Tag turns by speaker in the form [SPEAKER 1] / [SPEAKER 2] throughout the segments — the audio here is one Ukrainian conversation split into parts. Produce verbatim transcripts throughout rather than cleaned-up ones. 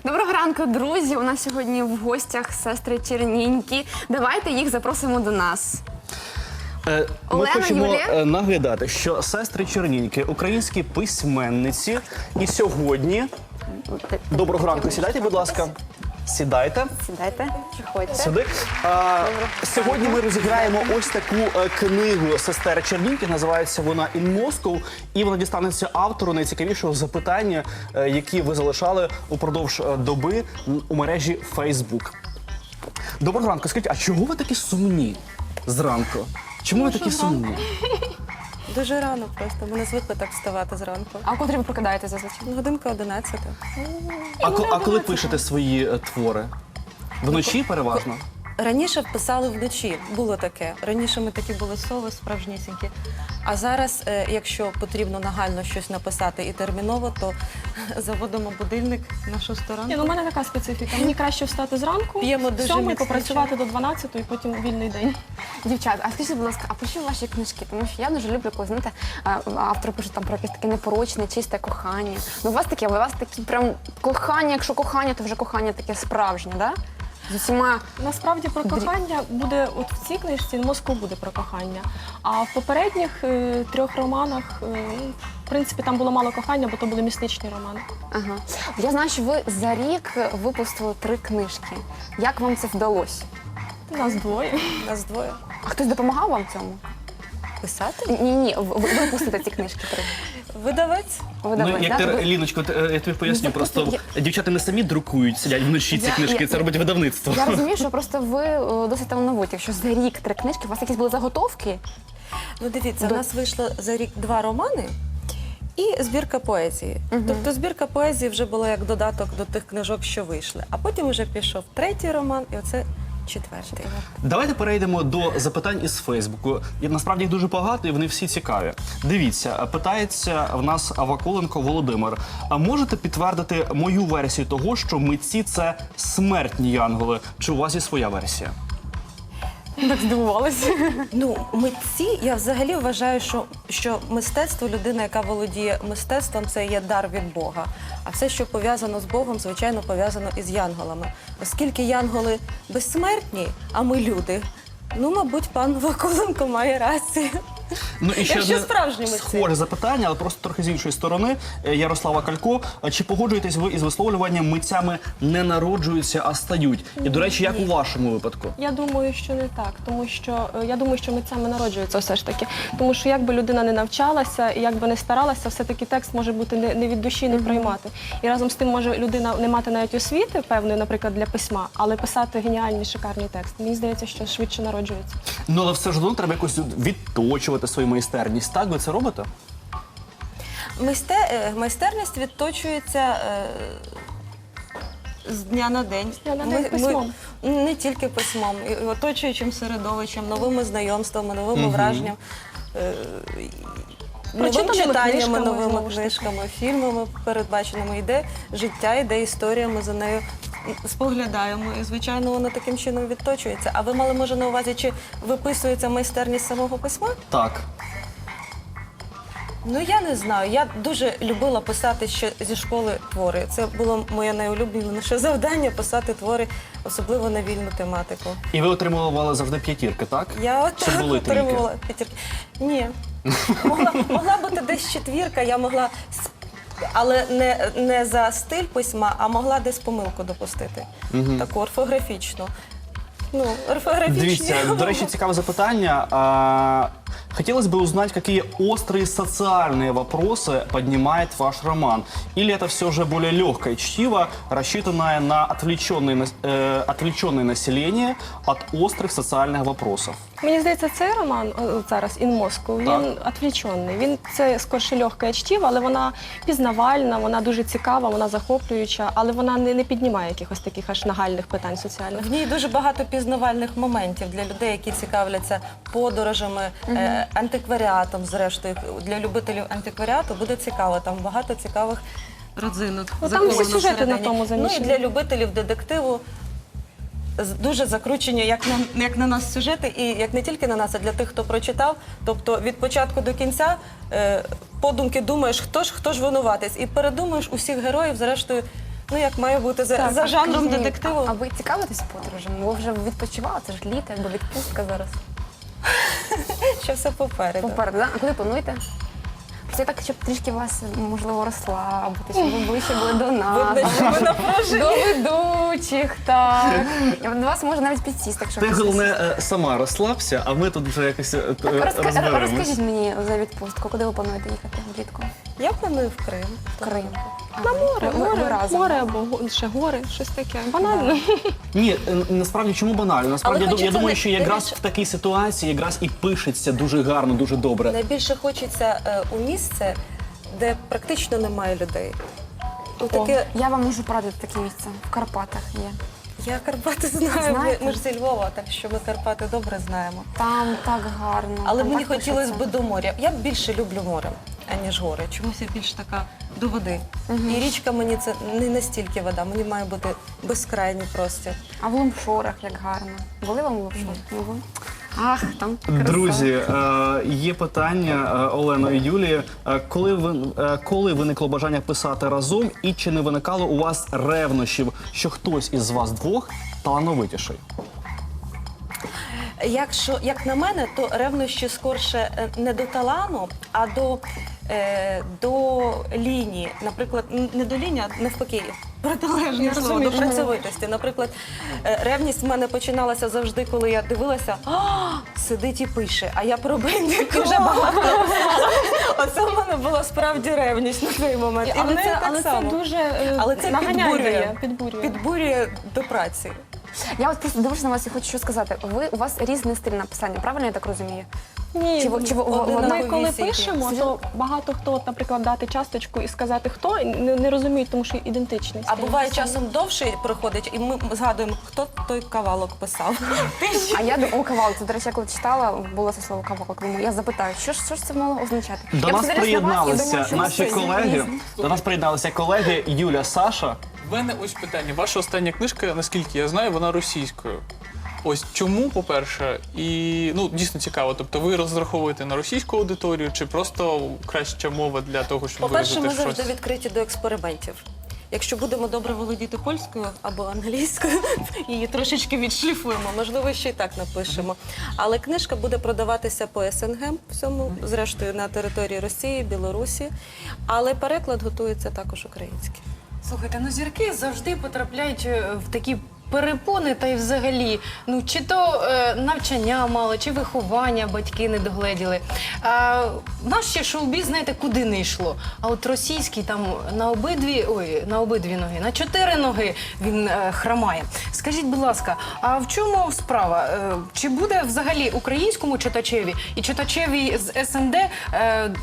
[SPEAKER 1] Доброго ранку, друзі! У нас сьогодні в гостях сестри Чернінькі. Давайте їх запросимо до нас.
[SPEAKER 2] Е, Ми
[SPEAKER 1] Олена,
[SPEAKER 2] хочемо
[SPEAKER 1] Юлія?
[SPEAKER 2] е, нагадати, що сестри Чернінькі – українські письменниці. І сьогодні... Доброго ранку, сідайте, будь ласка. Сідайте.
[SPEAKER 1] Сідайте, приходьте.
[SPEAKER 2] Сюди. А, сьогодні ми розіграємо ось таку е, книгу сестер Чернінькі. Називається вона «In Moscow». І вона дістанеться автору найцікавішого запитання, е, які ви залишали упродовж е, доби у мережі Facebook. Доброго ранку. Скажіть, а чого ви такі сумні зранку? Чому ви такі сумні?
[SPEAKER 3] Дуже рано просто. Ми не звикли так вставати зранку.
[SPEAKER 1] А котрі ви прокидаєтеся зазвичай?
[SPEAKER 3] Годинка одинадцята.
[SPEAKER 2] А, ко- а коли пишете свої е, твори? Вночі переважно?
[SPEAKER 3] Раніше писали вночі, було таке. Раніше ми такі були сови справжнісінькі. А зараз, е, якщо потрібно нагально щось написати і терміново, то заводимо будильник на шосту ранку.
[SPEAKER 4] Ні, ну, у мене така специфіка. Мені краще встати зранку,
[SPEAKER 3] П'ємо дуже
[SPEAKER 4] сьомий,
[SPEAKER 3] міцний
[SPEAKER 4] попрацювати до дванадцятої, і потім вільний день.
[SPEAKER 1] Дівчат, а скажіть, будь ласка, а про що ваші книжки? Тому що я дуже люблю, коли, знаєте, а, автор пише там про якесь таке непорочне, чисте кохання. Ну, у вас таке, у вас такі прям кохання, якщо кохання, то вже кохання таке справжнє, да? З усіма...
[SPEAKER 4] Насправді про кохання буде, от в цій книжці «Москва» буде про кохання. А в попередніх е, трьох романах, е, в принципі, там було мало кохання, бо то були містичні романи.
[SPEAKER 1] Ага. Я знаю, що ви за рік випустили три книжки. Як вам це вдалося?
[SPEAKER 4] Нас двоє.
[SPEAKER 3] Нас двоє.
[SPEAKER 1] А хтось допомагав вам в цьому?
[SPEAKER 3] Писати?
[SPEAKER 1] Ні-ні, ви випустите ці книжки три.
[SPEAKER 3] Видавець?
[SPEAKER 1] Видавець,
[SPEAKER 2] Ну, як
[SPEAKER 1] да?
[SPEAKER 2] ти,
[SPEAKER 1] Ви-
[SPEAKER 2] Ліночко, от, е, я тобі поясню,
[SPEAKER 1] Ну,
[SPEAKER 2] просто
[SPEAKER 1] я-
[SPEAKER 2] дівчата не самі друкують, сидять вночі ці
[SPEAKER 1] Я-
[SPEAKER 2] книжки,
[SPEAKER 1] я-
[SPEAKER 2] це робить видавництво.
[SPEAKER 1] Я розумію, що просто ви е, досить талановиті. Якщо за рік три книжки, у вас якісь були заготовки?
[SPEAKER 3] Ну дивіться,
[SPEAKER 1] До-
[SPEAKER 3] у нас вийшло за рік два романи і збірка поезії. Тобто збірка поезії вже була як додаток до тих книжок, що вийшли. А потім вже пішов третій роман, і оце четвертий.
[SPEAKER 2] Давайте перейдемо до запитань із Фейсбуку. І, насправді їх дуже багато, і вони всі цікаві. Дивіться, питається в нас Авакуленко Володимир. А можете підтвердити мою версію того, що митці – це смертні янголи? Чи у вас є своя версія?
[SPEAKER 1] Так здивувалася.
[SPEAKER 3] Ну, митці, я взагалі вважаю, що, що мистецтво, людина, яка володіє мистецтвом, це є дар від Бога. А все, що пов'язано з Богом, звичайно, пов'язано із янголами. Оскільки янголи безсмертні, а ми люди, ну, мабуть, пан Вакуленко має рацію.
[SPEAKER 2] Ну і ще
[SPEAKER 3] Якщо
[SPEAKER 2] одне
[SPEAKER 3] справжні митці.
[SPEAKER 2] схоже запитання, але просто трохи з іншої сторони. Е, Ярослава Калько. А чи погоджуєтесь ви із висловлюванням «митцями не народжуються, а стають»? І, до речі, як у вашому випадку?
[SPEAKER 4] Я думаю, що не так, тому що е, я думаю, що митцями народжуються все ж таки. Тому що якби людина не навчалася і якби не старалася, все-таки текст може бути не, не від душі, не приймати. І разом з тим може людина не мати навіть освіти певної, наприклад, для письма, але писати геніальний, шикарний текст. Мені здається, що швидше народжується.
[SPEAKER 2] Ну, але все ж одно треба якось відточувати свою майстерність. Так, ви це робите?
[SPEAKER 3] Майсте, е, майстерність відточується е, з дня на день.
[SPEAKER 4] дня на день письмом.
[SPEAKER 3] не тільки письмом, і оточуючим середовищем, новими знайомствами, новими враженнями, е, новим
[SPEAKER 4] Прочитаними
[SPEAKER 3] читаннями,
[SPEAKER 4] книжками,
[SPEAKER 3] новими
[SPEAKER 4] знову ж таки.
[SPEAKER 3] книжками, фільмами передбаченими. Йде життя, йде історія, ми за нею споглядаємо. І, звичайно, воно таким чином відточується. А ви мали, може, на увазі, чи виписується майстерність самого письма?
[SPEAKER 2] Так.
[SPEAKER 3] Ну, я не знаю. Я дуже любила писати ще зі школи твори. Це було моє найулюбленіше завдання – писати твори, особливо на вільну тематику.
[SPEAKER 2] І ви отримували завжди п'ятірки, так?
[SPEAKER 3] Я
[SPEAKER 2] Чи
[SPEAKER 3] отак
[SPEAKER 2] були трійки?
[SPEAKER 3] отримувала п'ятірки. Ні. Могла, могла бути десь четвірка, я могла, с- але не, не за стиль письма, а могла десь помилку допустити. Таку орфографічну. Ну, орфографічні.
[SPEAKER 2] Дивіться, до речі, цікаве запитання. А, хотелось бы узнать, какие острые социальные вопросы поднимает ваш роман. Или это все же более легкое чтиво, рассчитанное на отвлеченное, нас- э, отвлеченное население от острых социальных вопросов?
[SPEAKER 4] Мені здається, цей роман о, зараз «In Moscow», він відвлечений. Він це скорше легке чтиво, але вона пізнавальна, вона дуже цікава, вона захоплююча, але вона не, не піднімає якихось таких аж нагальних питань соціальних.
[SPEAKER 3] В ній дуже багато пізнавальних моментів для людей, які цікавляться подорожами, е, антикваріатом, зрештою. Для любителів антикваріату буде цікаво, там багато цікавих родзинок.
[SPEAKER 4] Ну, там всі
[SPEAKER 3] заховано
[SPEAKER 4] сюжети
[SPEAKER 3] всередині.
[SPEAKER 4] на тому замішані.
[SPEAKER 3] Ну і для любителів детективу з- дуже закручені, як на, як на нас сюжети, і як не тільки на нас, а для тих, хто прочитав. Тобто від початку до кінця е, подумки думаєш, хто ж, хто ж винуватець, і передумаєш усіх героїв, зрештою, Ну, як має бути за,
[SPEAKER 4] Так,
[SPEAKER 3] за
[SPEAKER 4] а
[SPEAKER 3] жанром
[SPEAKER 1] Скажіть мені,
[SPEAKER 3] детективу.
[SPEAKER 1] А, а ви цікавитесь подорожами? Ви вже відпочивали, це ж літо, якби відпустка зараз.
[SPEAKER 3] Що все попереду.
[SPEAKER 1] Попереду, да? А куди плануєте? Це так, щоб трішки вас, можливо, розслабити, щоб ви ближче були до нас.
[SPEAKER 3] Видно, що ви напружені.
[SPEAKER 1] До ведучих, так. До вас може навіть підсісти, якщо
[SPEAKER 2] Ти
[SPEAKER 1] хочете.
[SPEAKER 2] головне е, сама розслабся, а ми тут вже якось е, е,
[SPEAKER 1] Так, розка-
[SPEAKER 2] розберемось.
[SPEAKER 1] розкажіть мені за відпустку, куди ви плануєте їхати влітку?
[SPEAKER 3] Я планую в Крим.
[SPEAKER 1] В Крим.
[SPEAKER 4] На море,
[SPEAKER 1] Ви- ви- ви
[SPEAKER 4] море,
[SPEAKER 1] разом.
[SPEAKER 4] море або го- ще гори, щось таке. Банально.
[SPEAKER 2] Ні, е, насправді чому банально? Насправді
[SPEAKER 3] Але
[SPEAKER 2] я, ду- я
[SPEAKER 3] хочеться
[SPEAKER 2] думаю,
[SPEAKER 3] не-
[SPEAKER 2] що
[SPEAKER 3] не
[SPEAKER 2] якраз
[SPEAKER 3] більше-
[SPEAKER 2] в такій ситуації якраз і пишеться дуже гарно, дуже добре.
[SPEAKER 3] Найбільше хочеться е, у місце, де практично немає людей. У таке,
[SPEAKER 1] Я вам можу порадити таке місце. В Карпатах є.
[SPEAKER 3] я Карпати знаю, ми,
[SPEAKER 1] Знаєте?
[SPEAKER 3] ми ж зі Львова, так що ми Карпати добре знаємо.
[SPEAKER 1] Там так гарно.
[SPEAKER 3] Але
[SPEAKER 1] там
[SPEAKER 3] мені
[SPEAKER 1] так
[SPEAKER 3] хотілося
[SPEAKER 1] пишеться.
[SPEAKER 3] б до моря. Я більше люблю море, аніж гори. Чомусь я більш така до води. І річка мені це не настільки вода, мені має бути безкрайній простір.
[SPEAKER 1] А в Лумшорах як гарно. Були вам в Лумшорах? Не були? Ах, там краса.
[SPEAKER 2] Друзі, е, є питання е, Олено і Юлії. Е, коли ви е, коли виникло бажання писати разом, і чи не виникало у вас ревнощів, що хтось із вас двох талановитіший?
[SPEAKER 3] Якщо, як на мене, то ревнощі скорше е, не до талану, а до, е, до лінії. Наприклад, н- не до лінії, а навпаки, протилежне
[SPEAKER 4] Я
[SPEAKER 3] слово,
[SPEAKER 4] розумію,
[SPEAKER 3] до
[SPEAKER 4] що ви
[SPEAKER 3] працьовитості. Наприклад, е, ревність в мене починалася завжди, коли я дивилася, а, сидить і пише, а я про бендик вже багато написала. Оце в мене була справді ревність на той момент. І в
[SPEAKER 4] Але
[SPEAKER 3] неї
[SPEAKER 4] це,
[SPEAKER 3] так
[SPEAKER 4] але це
[SPEAKER 3] само.
[SPEAKER 4] дуже е,
[SPEAKER 3] Але це
[SPEAKER 4] наганяє
[SPEAKER 3] підбурює,
[SPEAKER 4] дає, підбурює.
[SPEAKER 3] підбурює до праці.
[SPEAKER 1] Я от просто дивлюся на вас і хочу що сказати. Ви у вас різний стиль написання, правильно я так розумію?
[SPEAKER 4] Ні,
[SPEAKER 1] Чи ви- чи ви-
[SPEAKER 3] один
[SPEAKER 1] ви-
[SPEAKER 3] на
[SPEAKER 4] ми коли
[SPEAKER 3] повісі
[SPEAKER 4] пишемо,
[SPEAKER 1] якісь.
[SPEAKER 4] то багато хто, от, наприклад, дати часточку і сказати хто, не, не розуміють, тому що ідентичність.
[SPEAKER 3] А буває часом довше проходить, і ми згадуємо, хто той кавалок писав.
[SPEAKER 1] А я думаю, о, кавалок. Це, до речі, я коли читала, було це слово кавалок. Думаю, я запитаю, що ж, що ж це мало означати?
[SPEAKER 2] До
[SPEAKER 1] Я
[SPEAKER 2] нас
[SPEAKER 1] подивилась на вас і думаю,
[SPEAKER 2] приєдналися
[SPEAKER 1] що
[SPEAKER 2] наші
[SPEAKER 1] це
[SPEAKER 2] колеги.
[SPEAKER 1] різні.
[SPEAKER 2] До нас приєдналися колеги Юля, Саша.
[SPEAKER 5] У мене ось питання. Ваша остання книжка, наскільки я знаю, вона російською. Ось чому, по-перше, і ну дійсно цікаво. Тобто, ви розраховуєте на російську аудиторію, чи просто краща мова для того, щоб
[SPEAKER 3] По-перше, ми
[SPEAKER 5] виразити
[SPEAKER 3] завжди
[SPEAKER 5] щось?
[SPEAKER 3] відкриті до експериментів. Якщо будемо добре володіти польською або англійською, її трошечки відшліфуємо, можливо, ще й так напишемо. Але книжка буде продаватися по ес ен ге, всьому, зрештою, на території Росії, Білорусі, але переклад готується також український.
[SPEAKER 6] Слухайте, ну зірки завжди потрапляють е, в такі перепони, та й взагалі, ну чи то е, навчання мало, чи виховання батьки не догледіли. А, наш ще шоу-біз, знаєте, куди не йшло. А от російський там на обидві, ой, на обидві ноги, на чотири ноги він е, хромає. Скажіть, будь ласка, а в чому справа? Е, чи буде взагалі українському читачеві і читачеві з ес ен де е, м,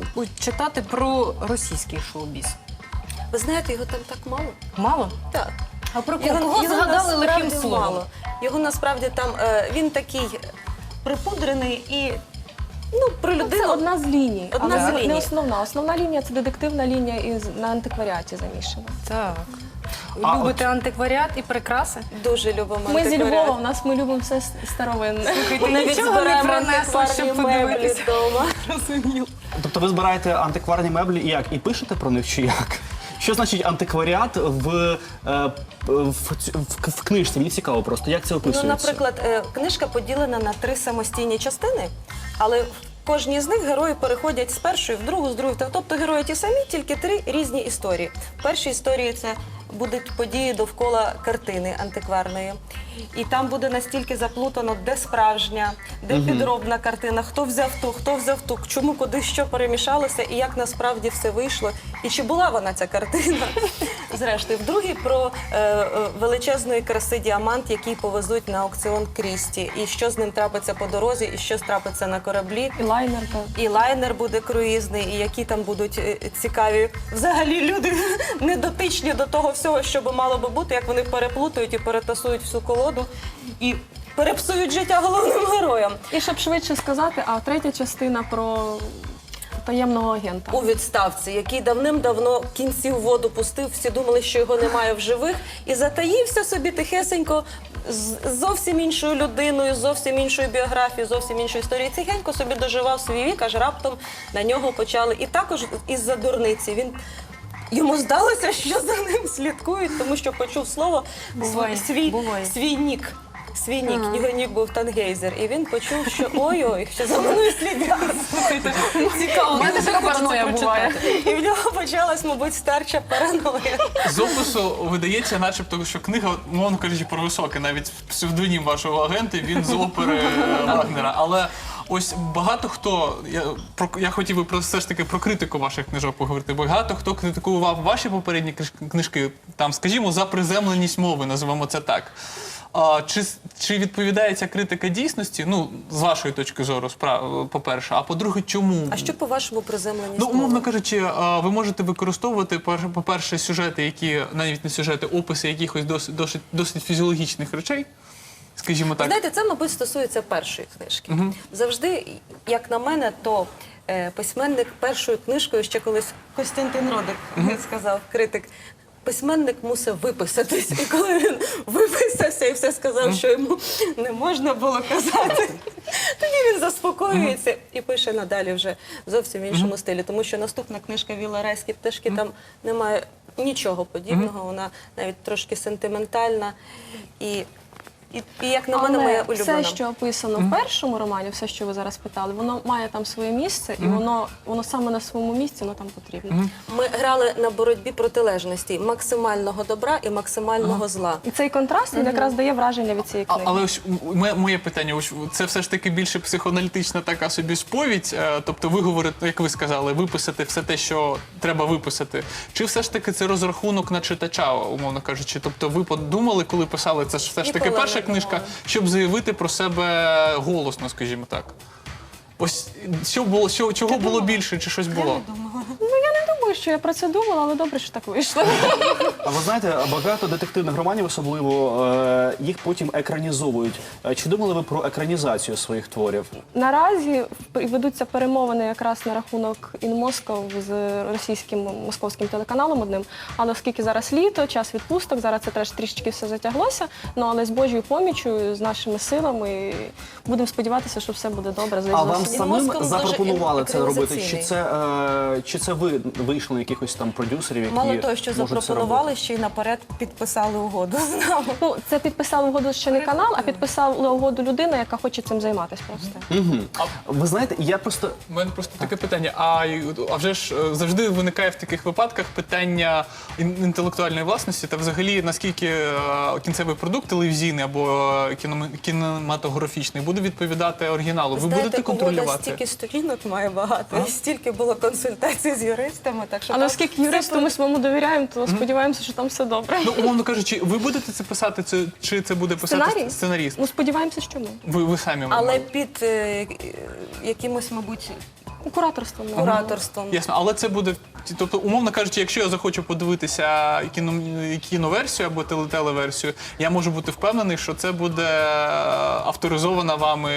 [SPEAKER 6] читати про російський шоу-біз?
[SPEAKER 3] Ви знаєте, його там так мало?
[SPEAKER 6] Мало?
[SPEAKER 3] Так.
[SPEAKER 6] А про кого, кого згадали
[SPEAKER 3] насправді
[SPEAKER 6] лихим словом?
[SPEAKER 3] мало. Його насправді там, е, він такий припудрений і, ну, про
[SPEAKER 4] Це
[SPEAKER 3] людину.
[SPEAKER 4] одна з ліній,
[SPEAKER 3] Одна
[SPEAKER 4] але
[SPEAKER 3] з
[SPEAKER 4] не
[SPEAKER 3] ліній.
[SPEAKER 4] основна. Основна лінія це детективна лінія із на антикваріаті заміщена.
[SPEAKER 6] Так. Ви
[SPEAKER 2] А
[SPEAKER 6] любите антикваріат і прикраси?
[SPEAKER 3] Дуже любимо
[SPEAKER 4] Ми зі
[SPEAKER 3] антикваріат.
[SPEAKER 4] Львова, в нас ми любимо все старовинне.
[SPEAKER 3] Ми навіть
[SPEAKER 6] Нічого не
[SPEAKER 3] збираємо
[SPEAKER 6] принесла,
[SPEAKER 3] антикварні
[SPEAKER 6] щоб
[SPEAKER 3] меблі
[SPEAKER 6] подивитися.
[SPEAKER 3] вдома.
[SPEAKER 6] Розуміло.
[SPEAKER 2] Тобто ви збираєте антикварні меблі і як? І пишете про них чи як? Що значить антикваріат в, е, в, ць- в, в книжці? Мені цікаво просто, як це
[SPEAKER 3] Ну,
[SPEAKER 2] описується?
[SPEAKER 3] наприклад, е, книжка поділена на три самостійні частини, але в кожній з них герої переходять з першої в другу, з другої в третю. Тобто герої ті самі, тільки три різні історії. В першій історії це будуть події довкола картини антикварної. І там буде настільки заплутано, де справжня, де підробна картина, хто взяв ту, хто взяв ту, чому, куди, що перемішалося, і як насправді все вийшло, і чи була вона ця картина. Зрештою, в другій про е, е, величезної краси діамант, який повезуть на аукціон Крісті, і що з ним трапиться по дорозі, і що трапиться на кораблі.
[SPEAKER 4] І лайнер, так.
[SPEAKER 3] І лайнер буде круїзний, і які там будуть е, цікаві взагалі люди, недотичні до того всього, що би мало би бути, як вони переплутають і перетасують всю колоду і перепсують життя головним героям.
[SPEAKER 4] І щоб швидше сказати, а третя частина про таємного агента.
[SPEAKER 3] У відставці, який давним-давно кінці в воду пустив, всі думали, що його немає в живих, і затаївся собі тихесенько з зовсім іншою людиною, з зовсім іншою біографією, зовсім іншою історією. Тихенько собі доживав свій вік, аж раптом на нього почали. І також із-за дурниці він йому здалося, що за ним слідкують, тому що почув слово
[SPEAKER 6] Буває,
[SPEAKER 3] свій,
[SPEAKER 6] буває.
[SPEAKER 3] свій нік. Свій нік,
[SPEAKER 1] Ага.
[SPEAKER 3] його нік був Тангейзер, і він почув, що ой-ой, що за мною слідять. Слухайте, цікаво.
[SPEAKER 1] У мене
[SPEAKER 3] дуже
[SPEAKER 1] така
[SPEAKER 3] хочеться
[SPEAKER 1] параноя буває.
[SPEAKER 3] прочитати. І в нього почалась, мабуть, старча параноя.
[SPEAKER 5] З опису видається, начебто, що книга, мовно кажучи, про високе, навіть псевдонім вашого агента, він з опери е, Вагнера. Але ось багато хто, я, про, я хотів би про, все ж таки про критику ваших книжок поговорити. Багато хто критикував ваші попередні книж- книжки, там, скажімо, за приземленість мови, називаємо це так. А, чи, чи відповідає ця критика дійсності? Ну, з вашої точки зору, спра- по-перше, а по-друге, чому?
[SPEAKER 3] А що, по-вашому, приземленість
[SPEAKER 5] Ну,
[SPEAKER 3] мови?
[SPEAKER 5] умовно кажучи, а, ви можете використовувати, пер- по-перше, сюжети, які, навіть не сюжети, описи якихось досить, досить, досить фізіологічних речей, скажімо так.
[SPEAKER 3] Знаєте, це, мабуть, стосується першої книжки. Завжди, як на мене, то е, письменник першою книжкою, ще колись Костянтин Родик сказав, критик, письменник мусив виписатись. І коли він виписався і все сказав, що йому не можна було казати, тоді він заспокоюється і пише надалі вже зовсім в іншому стилі. Тому що наступна книжка «Віла райські пташки» там немає нічого подібного, вона навіть трошки сентиментальна. І І, і як на мене, моя
[SPEAKER 4] Але
[SPEAKER 3] улюблена.
[SPEAKER 4] все, що описано в першому романі, все, що ви зараз питали, воно має там своє місце, і воно, воно саме на своєму місці, воно там потрібно.
[SPEAKER 3] Ми грали на боротьбі протилежностей максимального добра і максимального зла.
[SPEAKER 4] І цей контраст він якраз дає враження від цієї
[SPEAKER 5] А,
[SPEAKER 4] книги.
[SPEAKER 5] але ось м- моє, моє питання, ось це все ж таки більше психоаналітична така собі сповідь, е, тобто ви говорите, як ви сказали, виписати все те, що треба виписати. Чи все ж таки це розрахунок на читача, умовно кажучи? Тобто ви подумали, коли писали, це ж все ж таки
[SPEAKER 3] Ніколи
[SPEAKER 5] перша
[SPEAKER 3] не
[SPEAKER 5] книжка,
[SPEAKER 3] думала.
[SPEAKER 5] щоб заявити про себе голосно, скажімо так. Ось що було, що, чого було більше, чи щось було?
[SPEAKER 4] Я думаю, що я про це думала, але добре, що так вийшло.
[SPEAKER 2] А ви знаєте, багато детективних романів, особливо, е, їх потім екранізовують. Е, Чи думали ви про екранізацію своїх творів?
[SPEAKER 4] Наразі ведуться перемовини якраз на рахунок In Moscow з російським московським телеканалом одним. Але оскільки зараз літо, час відпусток, зараз це теж трішечки все затяглося. Ну але з Божою поміччю, з нашими силами будемо сподіватися, що все буде добре.
[SPEAKER 2] А вам
[SPEAKER 3] Мoscow
[SPEAKER 2] самим
[SPEAKER 3] дуже
[SPEAKER 2] запропонували це робити? Чи
[SPEAKER 3] екранізаційний.
[SPEAKER 2] це, е, чи це ви вийшли на якихось там продюсерів, які
[SPEAKER 3] Мало того, що
[SPEAKER 2] можуть це
[SPEAKER 3] запропонували,
[SPEAKER 2] робити?
[SPEAKER 3] ще й наперед підписали угоду з нами.
[SPEAKER 4] Ну, це підписав угоду ще не канал, а підписала угоду людина, яка хоче цим займатися просто.
[SPEAKER 2] Ви знаєте, я просто
[SPEAKER 5] У мене просто таке питання. А, а вже ж е, завжди виникає в таких випадках питання ін- інтелектуальної власності та взагалі наскільки е, кінцевий продукт телевізійний або е, кіноме- кінематографічний буде відповідати оригіналу. Ви
[SPEAKER 3] Знаєте,
[SPEAKER 5] будете
[SPEAKER 3] угода
[SPEAKER 5] контролювати?
[SPEAKER 3] стільки сторінок має багато, і стільки було консультацій з юристами, так що
[SPEAKER 4] Але
[SPEAKER 3] там
[SPEAKER 4] оскільки
[SPEAKER 3] все
[SPEAKER 4] юристу ми своєму довіряємо, то сподіваємося, що там все добре.
[SPEAKER 5] Ну, умовно кажучи, ви будете це писати, це, чи це буде писати
[SPEAKER 4] Сценарій?
[SPEAKER 5] сценаріст?
[SPEAKER 4] Ну, сподіваємося, що ми.
[SPEAKER 5] Ви, ви самі
[SPEAKER 3] Але
[SPEAKER 5] мабуть.
[SPEAKER 3] під е, якимось, мабуть,
[SPEAKER 4] Кураторством. ну.
[SPEAKER 3] кураторством.
[SPEAKER 5] Ясно, але це буде, тобто, умовно кажучи, якщо я захочу подивитися кіно, кіноверсію або теле- телеверсію, я можу бути впевнений, що це буде авторизована вами,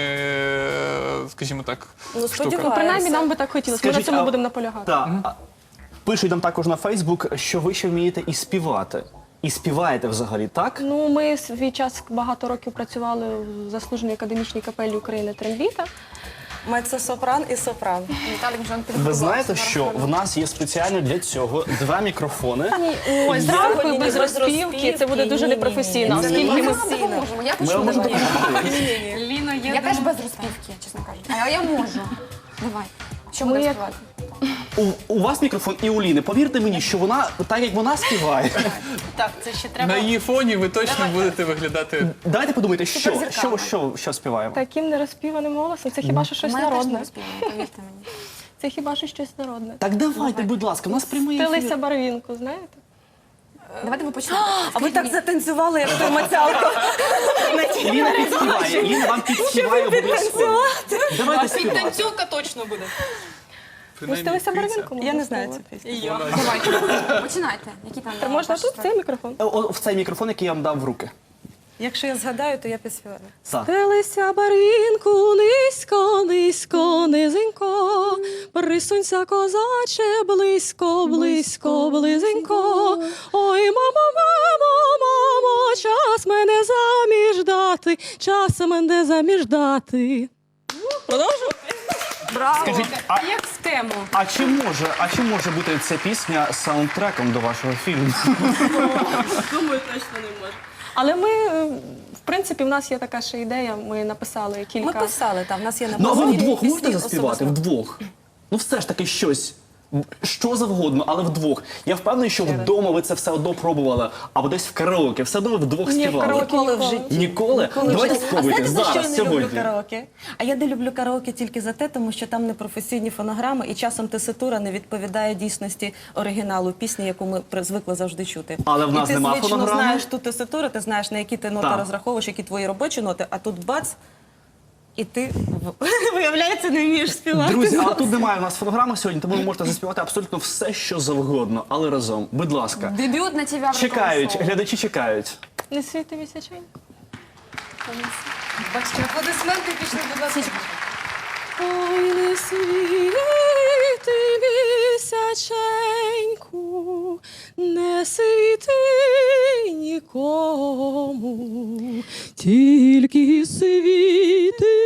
[SPEAKER 5] е, скажімо так,
[SPEAKER 3] Ну,
[SPEAKER 5] штука.
[SPEAKER 3] сподіваюся.
[SPEAKER 4] Ну, принаймні, нам би так хотілося. Ми на цьому
[SPEAKER 2] а-
[SPEAKER 4] будемо наполягати.
[SPEAKER 2] Так, а пишуть нам також на Фейсбук, що ви ще вмієте і співати. І співаєте взагалі, так?
[SPEAKER 4] Ну, ми свій час багато років працювали в заслуженій академічній капелі України Трембіта.
[SPEAKER 3] Мецо-сопран і сопран.
[SPEAKER 1] Віталік вже
[SPEAKER 2] Ви
[SPEAKER 1] підготувався
[SPEAKER 2] знаєте,
[SPEAKER 1] на
[SPEAKER 2] що
[SPEAKER 1] рахунок.
[SPEAKER 2] в нас є спеціально для цього два мікрофони.
[SPEAKER 4] Ой,
[SPEAKER 3] Ні,
[SPEAKER 4] зранку
[SPEAKER 3] ні,
[SPEAKER 4] і без
[SPEAKER 3] ні, без
[SPEAKER 4] розпівки це буде дуже
[SPEAKER 3] розпівки,
[SPEAKER 4] непрофесійно.
[SPEAKER 3] ні, ні,
[SPEAKER 4] Оскільки
[SPEAKER 3] ні,
[SPEAKER 4] ми
[SPEAKER 3] ні.
[SPEAKER 1] Ми вам допоможемо. Я
[SPEAKER 2] Ми
[SPEAKER 1] почну
[SPEAKER 2] вам можемо
[SPEAKER 1] допомогти.
[SPEAKER 2] допомогти.
[SPEAKER 6] Ліна, я,
[SPEAKER 1] Я теж
[SPEAKER 6] думаю-
[SPEAKER 1] без розпівки, чесно кажучи. А я можу. Давай. Що
[SPEAKER 4] Ми
[SPEAKER 1] будемо
[SPEAKER 4] як-
[SPEAKER 1] співати?
[SPEAKER 2] У, у вас мікрофон і у Ліни. Повірте мені, що вона, так як вона співає.
[SPEAKER 6] Так, це ще треба.
[SPEAKER 5] На її фоні ви точно будете виглядати.
[SPEAKER 2] Давайте подумайте, що, що,
[SPEAKER 1] Суперзірками.
[SPEAKER 2] що, що співаємо.
[SPEAKER 4] таким нерозпіваним голосом, це хіба що щось
[SPEAKER 1] Ми теж не
[SPEAKER 4] народне.
[SPEAKER 1] розпіваємо, повірте мені.
[SPEAKER 4] Це хіба що щось народне.
[SPEAKER 2] Так давайте, будь ласка, у нас прямий ефір.
[SPEAKER 4] Стелися барвінку, знаєте?
[SPEAKER 1] Давайте ви почнемо.
[SPEAKER 3] А ви так затанцювали, як той Мацялко.
[SPEAKER 2] Ліна підспіває, Ліна вам підспіває обов'язково. Давайте співати.
[SPEAKER 6] Танцювка точно буде.
[SPEAKER 4] Ну, стелися барвінку.
[SPEAKER 3] Я не знаю цю пісню.
[SPEAKER 1] Давайте. Починайте. Які там
[SPEAKER 4] Та можна
[SPEAKER 1] ваші
[SPEAKER 4] тут
[SPEAKER 1] строки?
[SPEAKER 4] цей мікрофон?
[SPEAKER 2] О, о, в цей мікрофон, який я вам дав в руки.
[SPEAKER 3] Якщо я згадаю, то я підспіваю.
[SPEAKER 2] Так.
[SPEAKER 4] Стелися барвінку низько, низько, низенько, присунься, козаче, близько, близько, близенько. Ой, мамо, мамо, мамо, час мене заміж дати, час мене заміж дати. Продовжу?
[SPEAKER 1] Браво!
[SPEAKER 2] Скажіть, а,
[SPEAKER 6] А як в тему?
[SPEAKER 2] а чи може, а чи може бути ця пісня саундтреком до вашого фільму?
[SPEAKER 4] Думаю, точно не може. Але ми, е, в принципі, в нас є така ще ідея, ми написали кілька.
[SPEAKER 3] Ми писали, там, в нас є
[SPEAKER 2] Ну а ви
[SPEAKER 3] написані
[SPEAKER 2] вдвох
[SPEAKER 3] пісні
[SPEAKER 2] можете заспівати?
[SPEAKER 3] особисто.
[SPEAKER 2] Вдвох? Ну все ж таки щось. Що завгодно, але вдвох. Я впевнений, що вдома ви це все одно пробували, або десь в караоке, все одно ви вдвох
[SPEAKER 4] Ні, в
[SPEAKER 2] співали.
[SPEAKER 4] караоке
[SPEAKER 3] Ніколи в
[SPEAKER 4] ніколи.
[SPEAKER 3] житті.
[SPEAKER 2] Ніколи?
[SPEAKER 3] Ніколи в
[SPEAKER 2] Давайте
[SPEAKER 3] житті.
[SPEAKER 2] спробуйте
[SPEAKER 3] А знаєте, за що я
[SPEAKER 2] зараз,
[SPEAKER 3] не люблю
[SPEAKER 2] сьогодні.
[SPEAKER 3] караоке? А я не люблю караоке тільки за те, тому що там непрофесійні фонограми, і часом теситура не відповідає дійсності оригіналу пісні, яку ми при- звикли завжди чути.
[SPEAKER 2] Але в нас
[SPEAKER 3] і ти
[SPEAKER 2] нема
[SPEAKER 3] звично
[SPEAKER 2] фонограми?
[SPEAKER 3] знаєш ту теситуру, ти знаєш, на які ти ноти
[SPEAKER 2] Так.
[SPEAKER 3] розраховуєш, які твої робочі ноти, а тут бац, і ти, виявляється, не вмієш співати.
[SPEAKER 2] Друзі, а тут немає у нас фонограми сьогодні, тому ви можете заспівати абсолютно все, що завгодно, але разом. Будь ласка.
[SPEAKER 1] Дебют на ТВ
[SPEAKER 2] Чекають, глядачі чекають.
[SPEAKER 4] Не світи місячень?
[SPEAKER 6] Бачите, аплодисменти пішли, будь ласка.
[SPEAKER 4] Ой, не світи місяченьку, не світи нікому, тільки світи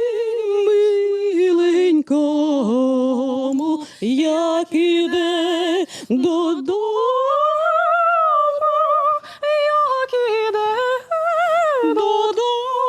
[SPEAKER 4] миленькому, як іде додому, як іде додому.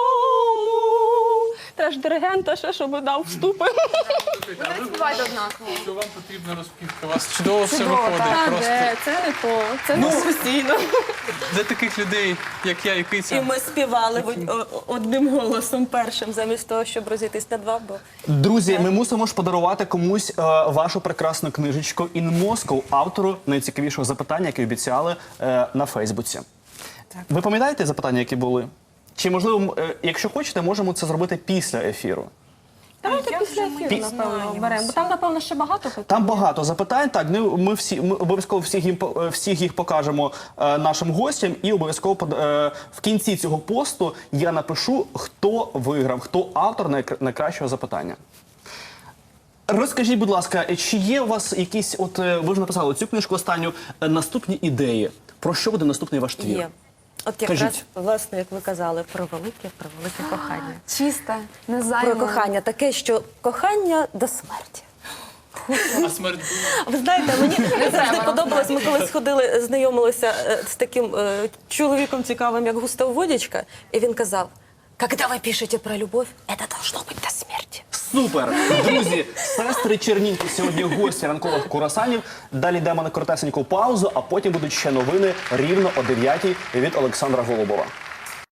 [SPEAKER 4] Треба ж диригента ще, щоб дав вступи.
[SPEAKER 1] Не співайте однаково.
[SPEAKER 5] Що вам потрібна розпівка? У вас чудово все
[SPEAKER 1] Чудово,
[SPEAKER 5] виходить.
[SPEAKER 1] так.
[SPEAKER 5] Просто
[SPEAKER 4] Де? Це не то, це
[SPEAKER 2] Ну,
[SPEAKER 4] не професійно.
[SPEAKER 5] для таких людей, як я і
[SPEAKER 3] І
[SPEAKER 5] Киця.
[SPEAKER 3] ми співали в- о- одним голосом першим, замість того, щоб розійтись на два, бо
[SPEAKER 2] Друзі, ми мусимо ж подарувати комусь е, вашу прекрасну книжечку «In Moscow», автору найцікавішого запитання, яке обіцяли е, на Фейсбуці. Ви пам'ятаєте запитання, які були? Чи, можливо, е, якщо хочете, можемо це зробити після ефіру?
[SPEAKER 4] Давайте
[SPEAKER 6] як
[SPEAKER 4] після
[SPEAKER 6] же ми
[SPEAKER 4] ефіру, напевно, беремо. Бо там, напевно, ще багато питань.
[SPEAKER 2] Там багато запитань. Так, ну, ми всі ми обов'язково всіх їм по- е, всіх їх покажемо е, нашим гостям, і обов'язково под- е, в кінці цього посту я напишу, хто виграв, хто автор найкра- найкращого запитання. Розкажіть, будь ласка, чи є у вас якісь, от е, ви ж написали цю книжку останню, е, наступні ідеї? Про що буде наступний ваш твір?
[SPEAKER 3] є. От якраз,
[SPEAKER 2] Кажіть.
[SPEAKER 3] власне, як ви казали, про велике, про велике кохання.
[SPEAKER 1] Чисте, незаймане.
[SPEAKER 3] Про кохання. Таке, що кохання до смерті.
[SPEAKER 5] А смерть
[SPEAKER 3] Ви знаєте, мені завжди
[SPEAKER 1] треба
[SPEAKER 3] подобалось, ми коли сходили, знайомилися е, з таким е, чоловіком цікавим, як Густав Водічка, і він казав, «Когда ви пишете про любов, це должно бути до смерті».
[SPEAKER 2] Супер! Друзі, сестри Чернінки сьогодні гості ранкових курасанів. Далі йдемо на коротесеньку паузу, а потім будуть ще новини рівно о дев'ятій від Олександра Голубова.